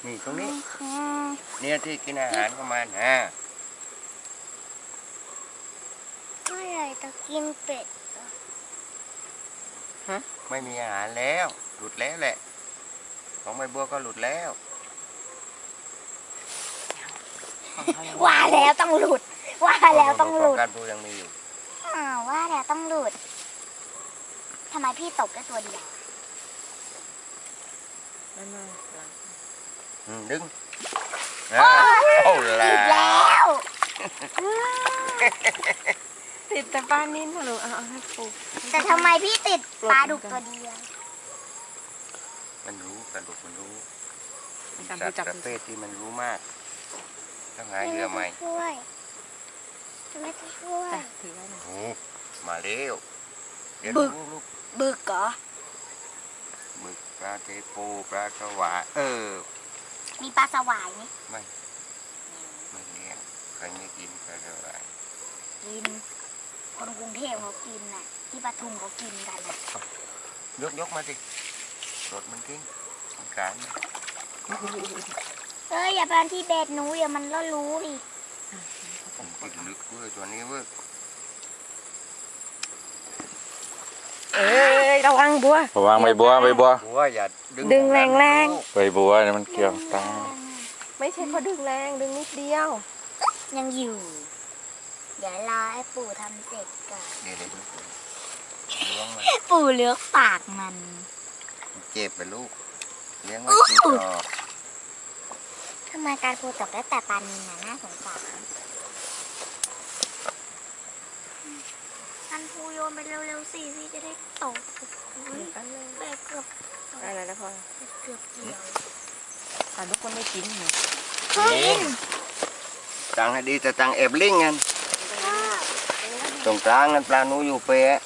นี่ตรงนี้เนี่ยที่กินอาหารของมันเมื่อไหร่จะกินเป็ดไม่มีอาหารแล้วหลุดแล้วแหละของใบบัวก็หลุดแล้วว่าแล้วต้องหลุดว่าแล้วต้องหลุดการปูยังมีอยู่ว่าแล้วต้องหลุดทำไมพี่ตกแค่ตัวเดียวดึงโอ้แล้วติดแต่ปลานิ่นเหรอเอาให้ปูแต่ทำไมพี่ติดปลาดุกตัวเดียวมันรู้ปลาดุกมันรู้สัตว์ประเภทที่มันรู้มากต้องหาเหยื่อใหม่ช่วยไม่ช่วยถือไว้หน่อยมาเร็วบึกบึกเหรอบึกปลาเทปูปลาสวายมีปลาสวายไหมไม่เลี้ยงใครไม่กินปลาสวายกินคนกรุงเทพเขากินน่ะที่ปทุมเขากินกันยกมาสิรถมันกินการอย่าไปที่เบ็ดหนูอย่ามันก็รู้ดิผมติดลึกเว้ยตัวนี้เว้ยระวังบัวระวังใบบัวอย่าดึงแรงใบบัวเนี่ยมันเกี่ยวตาไม่ใช่เขาดึงแรงดึงนิดเดียวยังอยู่เดี๋ยวรอให้ปู่ทำเสร็จก่อนปู่เลือกปากมันเจ็บไปลูกเลี้ยงไว้กินต่อทำไมการปูตกได้แต่ปลานิลน่าสงสารการปูโยนไปเร็วๆสิพี่จะได้ตกแบบเกือบอะไรนะพ่อเกือบเกี่ยวทุกคนไม่กินตังให้ดีแต่ตังเอฟลิงกันตรงกลางนั้นปลาหนูอยู่เป๊ะ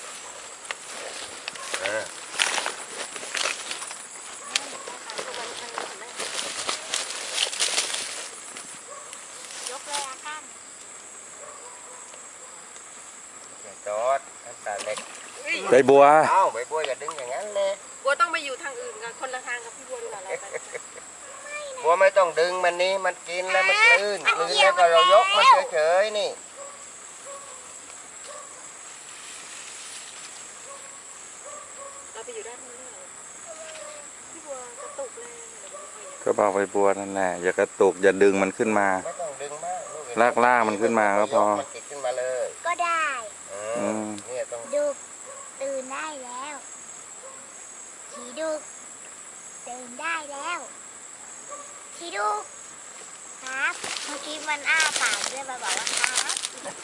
จอดตาเล็กใบบัวใบบัวอย่าดึงอย่างนั้นเลยบัวต้องไปอยู่ทางอื่นกันคนละทางกับพี่บัวดีกว่าเราบัวไม่ต้องดึงมันนี้มันกินแล้วมันลื่นแล้วก็เรายกมันเฉยๆนี่เราไปอยู่ด้านนู้นเลยพี่บัวกระตุกเลยก็บอกใบบัวนั่นแหละอย่ากระตุกอย่าดึงมันขึ้นมาไม่ต้องดึงมากลากมันขึ้นมาก็พอมันติดขึ้นมาเลยก็ได้เนี่ยต้องดุกตื่นได้แล้วขี่ดุกตื่นได้แล้วขี่ดุกครับเมื่อกี้มันอ้าปากด้วยมาบอกว่าครับ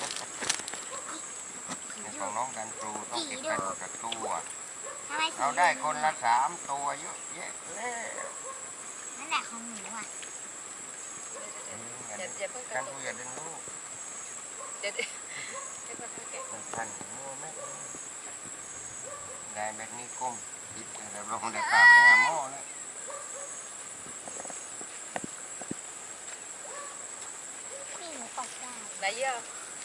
ของน้องกันครูต้องเก็บไปกับตัวเราได้คนละ3 ตัวเยอะแยะเลยนั่นแหละของหนูอ่ะกันครูอย่าดึงลูกมันพันมัวไม่ได้แบบนี้ก้มติดเราลงได้ป่าไปหาหม้อแล้วนี่หนูตกได้ไหนเยอะ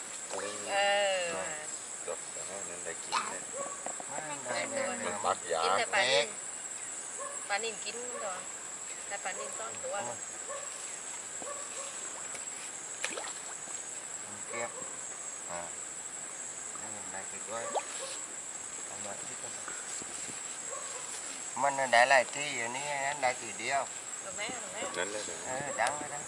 จบแล้วนั่นได้กินเลยปักยาปลานิ่มกินก่อนแต่ปลานิ่มต้อนตัวเก็บได้ติดไว้มันได้หลายที่อันนี้ได้ทีเดียวนั่นเลยดังเลยนะ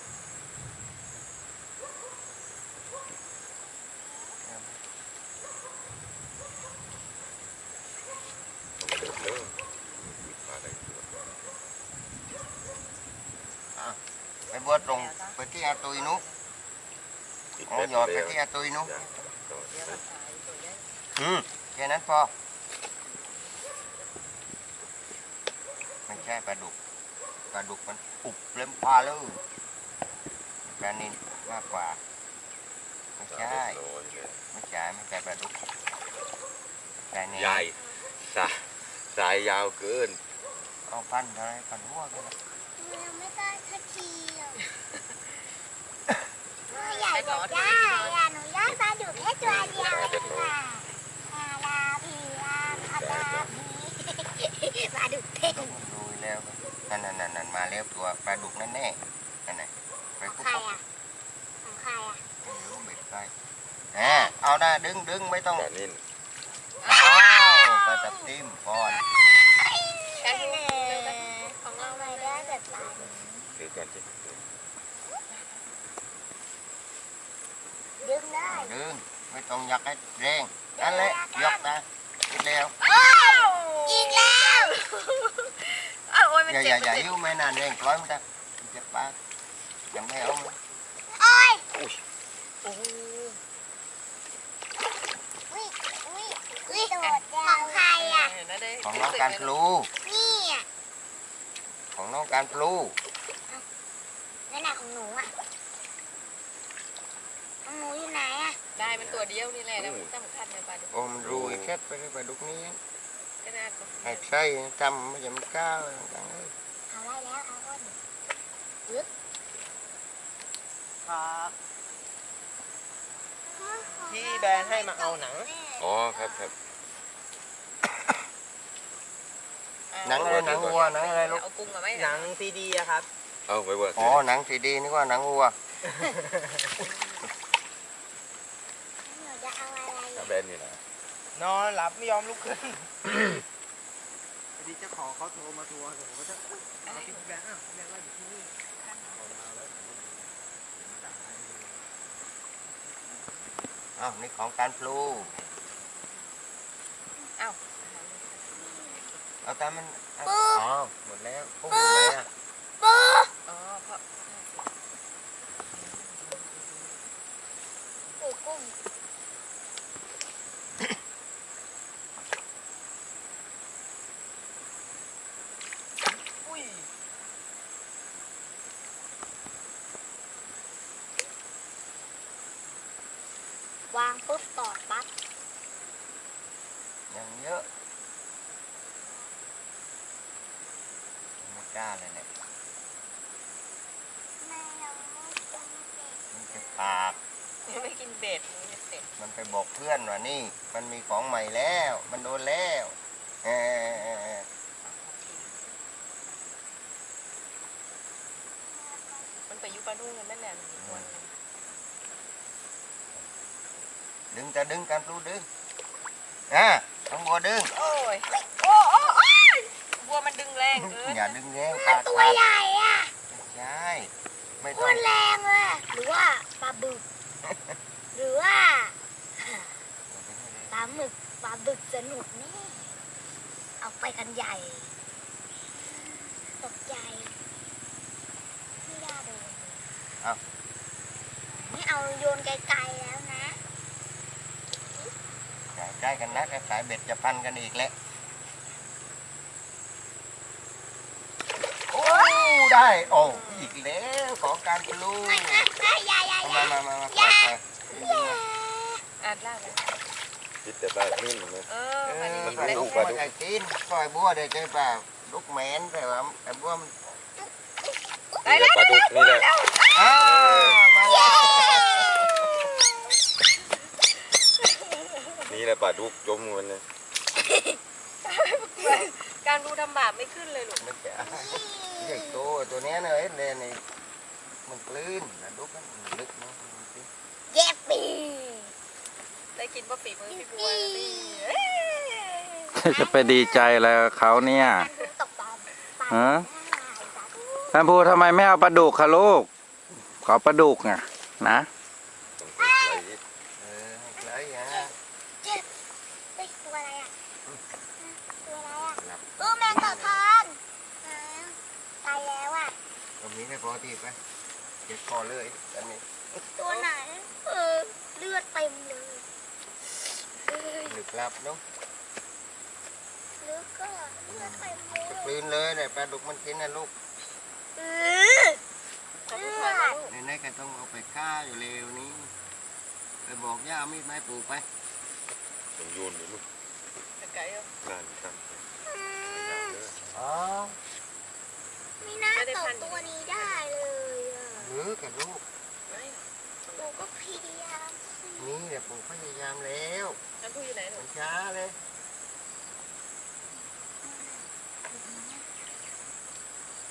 ไปบัวตรงไปที่อาตุยนุหยอดไปที่อาตุยนุแค่นั้นพอไม่ใช่ปลาดุกมันอุบเล่มปลาเลยปลานิลมากกว่าไม่ใช่ปลาดุกปลานิลใหญ่สายยาวเกินเอาพันอะไรพันหัวกันยังไม่ได้ทักทีใหญ่กว่าได้หนูย่างปลาดุกแค่ตัวเดียวค่ะปลาดุกเท่ดูแล้วนั่นมาแล้วตัวปลาดุกนั่นแน่นั่นไงไปของปุ๊บใครอ่ะของใครอ่ะไม่รู้เบ็ดใครเอาได้ดึงไม่ต้องปลานิ่นอ้าวปลาตับทิมก่อนของเราทำไมได้แบบปลานี้ถือก่อนสิดึงได้ดึงไม่ต้องยักให้แรงนั่นแหละยกนะอีกแล้วอีกแล้วอ้าวโอ้ยมันอย่าเจ็บอย่ายิ้วไม่นานแรงปล่อยมันจะเจ็บปากยังไม่เอามันโอ้ยโอ้โหอุ้ยของใครอ่ะเห็นไหมได้ของน้องการพลูนี่อ่ะของน้องการพลูนั่นน่ะของหนูอ่ะของหนูอยู่ไหนอ่ะได้มันตัวเดียวนี่แหละแล้วมันสำคัญในปลาดุกโอ้มันรูอีกแค่ไปเลยปลาดุกนี้ก็น่าจะให้ใช่จำไม่ใช่มันก้าวเลยเอาไว้แล้วเอาอ้นครับพี่แบนให้มาเอาหนังอ๋อครับครับหนังอะไรหนังวัวหนังอะไรลูกเอากุ้งมาไหมหนังซีดีอะครับเอาไว้ว่าอ๋อหนังสีดีนึกว่าหนังวัวหนูจะเอาอะไรถ้าอ่ะแบนนี่นะนอนหลับไม่ยอมลุกขึ้นพอดีเจ้าของเขาโทรมาทวงผมก็จะเอาพี่แบนอ้าวพี่แบนว่าอยู่ที่นี่อ้าวนี่ของการพลูอ้าวเอาแต่มันอ๋อหมดแล้วพวกอยู่ไหนอ่ะปูอ๋อเพราะปูกุ้งอุ้ยวางปุ๊บตอดปั๊บยังเยอะไม่กล้าเลยเนี่ยไม่เอาจังเด็กมันจะปากไม่กินเบ็ดมันจะเสร็จมันไปบอกเพื่อนว่านี่ มันมีของใหม่แล้ว มันโดนแล้วเออมันไปยุปลาดุกกันแม่แหละมันมีคนดึงการพลูดึงต้องบัวดึงโอ้ยโอ้ยบัวมันดึงแรงเกินอย่าดึงแรงมันขาดตัวใหญ่อ่ะใช่ไม่โคต้องตรแรงเลยอะหรือว่าปลาบึก หรือว่าปลาหมึกปลาบึกสนุกแน่เอาไปกันใหญ่ ตกใจไม่ได้โดนไม่เอาโยนไกลๆแล้วนะใกล้กันนะไอ้สายเบ็ดจะพันกันอีกแล้วโอ้ได้โอ้อีกแล้วของการพลูอย่ามาปล่อยอ่านล่าไปคิดแต่ปลานิ่นนะเออมันมันมีปลาเบ็ดดุกมันไอ้ตีนปล่อยบัวได้ใจเปล่าลูกแมนแต่ว่าไอ้บัวมันนี่แหละปลาดุกนี่แหละมาแล้วนี่แหละปลาดุกจมมันเลยการดูทำบาปไม่ขึ้นเลยลูกไม่ใช่เด็กตัวเนี้ยเลยเนี่ยนี่มันกลืนปลาดุกมันลึกนะเย็บปีได้กินว่าฝีมือพี่บัวนะพี่จะไปดีใจอะไรกับเขาเนี่ยตกปลาฮะ ท่านพูทำไมไม่เอาปลาดุกคะลูก ขอปลาดุกอ่ะนะให้ไกลฮะเจ็บเฮ้ยตัวอะไรอ่ะตัวอะไรอ่ะหลับแมงต่อทองตายแล้วอ่ะตรงนี้ให้พอทีไปเจ็บคอเลยอันนี้ตัวไหนเลือดเต็มเลยลึกลับเนาะลึกก็เลือดเต็มเลยกลืนเลยเนี่ยปลาดุกมันกินนะลูกเออทำผู้ชายมาลูกในๆก็ต้องเอาไปฆ่าอยู่เร็วนี้ไปบอกย่าเอามีดไม้ปลูกไปต้องโยนเลยลูกไก่เออนั่นครับอ๋อไม่น่าตกตัวนี้ได้เลยอ่ะหรือกับลูกไม่หนูก็พยายามสินี่แหละปลูกพยายามแล้วน้ำพุอยู่ไหนหนูมันช้าเลยเ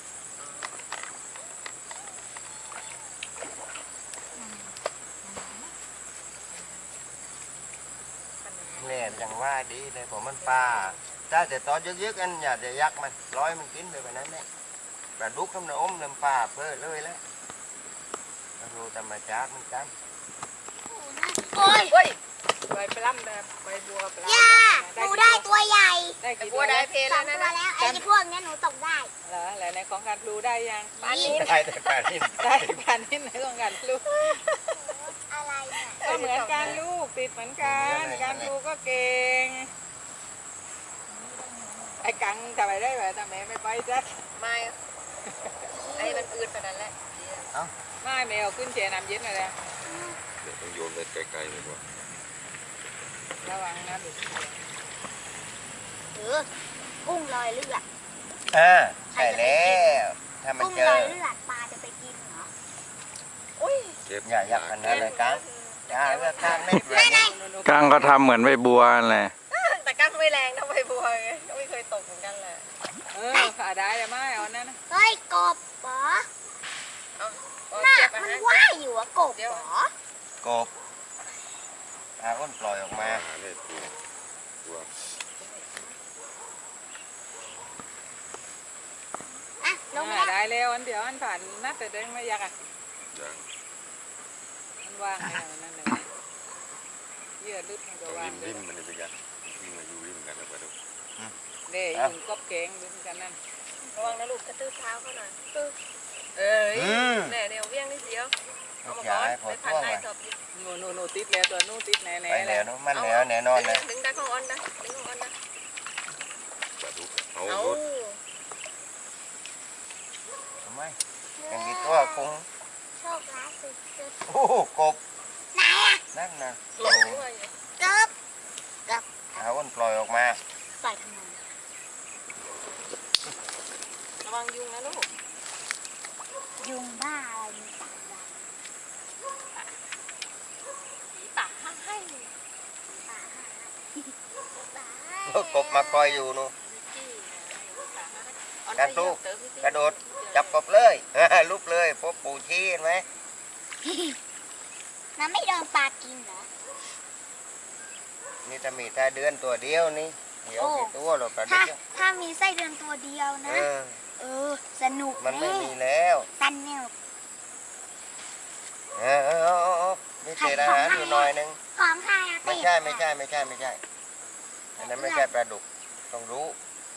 ว่าดีเลยผมมันปลาถ้าแต่ตอนยึกๆอันอย่าจะยักมันร้อยมันกินไปแบบนั้นแหละปลาดุกน้ำอมน้ำปลาเพื่อเลยแล้วดูธรรมชาติมันกันโอ้ยเฮ้ยไปล่ำแบบไปบัวไปล่ำย่าหนูได้ตัวใหญ่ได้กี่ตัวได้เพลสอแล้งวตันะวแล้วไอ้พวกเนี้ยหนูตกได้เหรอแล้วในของการพลูได้ยังปานนี้ได้แต่ปลานิ่ได้ปานนี้ในของการพลูอะไรเนี่ยก็เหมือนกันลูกติดเหมือนกันการพลูก็เก่งไอ้กังทำไมได้แบบทำไมไม่ไปจ้ะไม่ไอ้มันอืดขนาดนั้นแหละไม่แมวขึ้นเจน้ำเย็นมาแล้วเดี๋ยวต้องโยนไปไกลๆเลยว่าระวังนะลูกกุ้งลอยเลือดใช่แล้วถ้ามันกุ้งเจลออยเลือดปลาจะไปกินเหรอเก็บอย่ายักกันนะเลยกันอย่าเลือกข้างเล็กเลยก้างก็ทำเหมือนใบบัวนั่นแหละแต่กั้งไม่แรงเท่าใบบัวไงก็ไม่เคยตกเหมือนกันแหละขาได้แต่ไม่เอานั่นนะเฮ้ยกบเหรอเอาน่ะเทียบไปมันนะว่ายอยู่อะกบเหรอกบปลาอ้นปล่อยออกมาหาได้ตัวอ่ะลงไปแล้วได้แล้วอันเดียวอันผ่านนัดแต่เด้งไม่อยากอ่ะอย่างมันว่างแล้วนั่นเลยเยื่อลึกมันก็ต้องว่างริมมันนี่ไปกันวิ่งมาอยู่ริมกันแล้วไปดูเด้ยิงกบเก่งดึงกันนั่นระวังนะลูกกระตื้อเท้าเขาหน่อยเอ้ยแน่เดี๋ยวเวี่ยงนิดเดียวเอามาก่อนไปพันนายสอบหนูติดแล้วตัวนู้ติดแน่ไปๆแล้แล้ว วเนอะมันแล้วแน่นอนเลยดึงได้ของออนนะดึงของออนนะปลาดุกเอาเอารถทำไมยังมีตัวคงโชคร้ายสุดโอ้โหกบๆไหนอะนั่นนะหลงด้วยเกิบเอาอ้นปล่อยออกมาปล่อยทำไมระวังยุงนะลูกยุงบ้าอะไรมีสามวันผีป่าให้ป่าหาป่าโอ้กบมาคอยอยู่นู่น กระโดดจับกบเลย ลุกเลยพบปู่ชี้เห็นไหมมันไม่โดนปลากินเหรอนี่ถ้ามีถ้าเดือนตัวเดียวนี่เดี๋ยวโอ้กี่ตัวหรอกกระถ้าดิกถ้ามีไส้เดือนตัวเดียวเอนะอสนุกมันไม่แน่มีแล้วสนุกเอามีเศษอาหารอยู่หน่อยนึงของใครอะไม่ใช่ไม่ใช่ไม่ใช่ไม่ใช่อันนั้นไม่ใช่ปลาดุกต้องรู้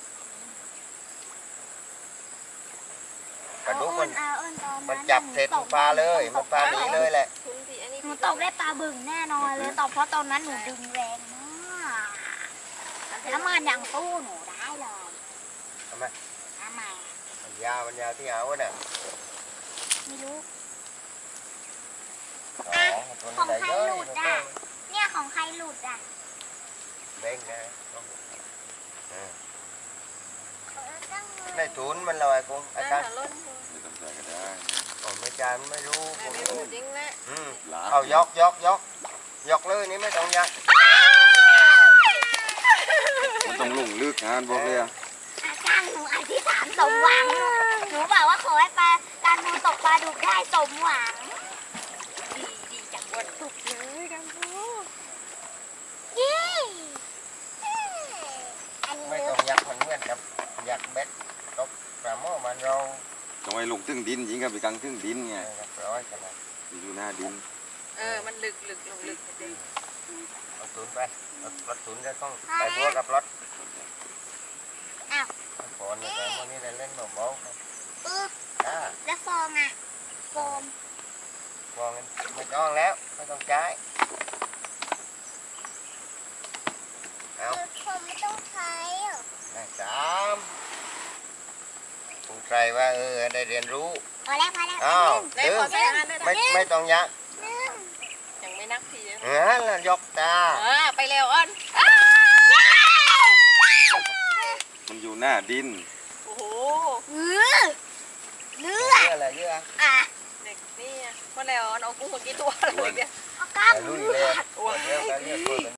ปลาดุกมัน มันจับเสร็จมันปลาเลยมันปลาหนีเลยแหละคุณพี่อันนี้หนูตกได้ปลาบึ่งแน่นอนเลยตอบเพราะตอนนั้นหนูดึงแรงมากแล้วมันยังสู้หนูได้เลยทำไมทำไมมันยาวที่เอาน่ะไม่รู้ตัวของนี้ใครได้เยอะหลุดอ่ะเนี่ยของใครหลุดอ่ะเด้งนะในถุนมันลอยกุ้งอาได้จารย์ค่ะล้นไม่ต้องใส่ก็ได้ผมไม่จานไม่รู้ผแต่มไม่รู้จริงแหละหลาเอายกเลยนี่ไม่ต้องยักมันต้องลงลึกงานบอกเลยอะอาจารย์หนูอธิษฐานสมหวังหนูบอกว่าขอให้ปลาการมูตกปลาดุกได้สมหวังดีจังวันตุกเลยกันพูเย้อันนี้ไม่เลิต้อก งยักมันเหมือนกับยักเบ็ดตกปลาหม้อมันเราต้องให้ลงตึ้งดินยิงกับไปกลางตึ้งดินไงร้อยกันนะอยู่หน้าดินมันลึกลงลึกจริงเอาถุนไปเอารถถุนจะต้องไปบัวกับรถฝนเนี่ยแต่พวกนี้เล่นเบาๆครับปึ๊บจ้าแล้วฟองอ่ะโฟมวางไม่ต้องแล้วไม่ต้องใช้เอาโฟมไม่ต้องใช้หรอได้ภูมิใจว่าได้เรียนรู้พอแล้วอ้าวได้ดึงขอใส่อาหารได้ไม่ต้องยักยังไม่นักทีแล้วยกตาไปเร็วอ้อนมันอยู่หน้าดินโอ้โหเลือดเยอะอะไรเยอะอ่ะเด็กนี่พอแล้วอ้อนเอากุ้งมากี่ตัวเลยเนี่ยเอากล้ามลุยเลืเลอย ดเดี๋ยวกันเรียก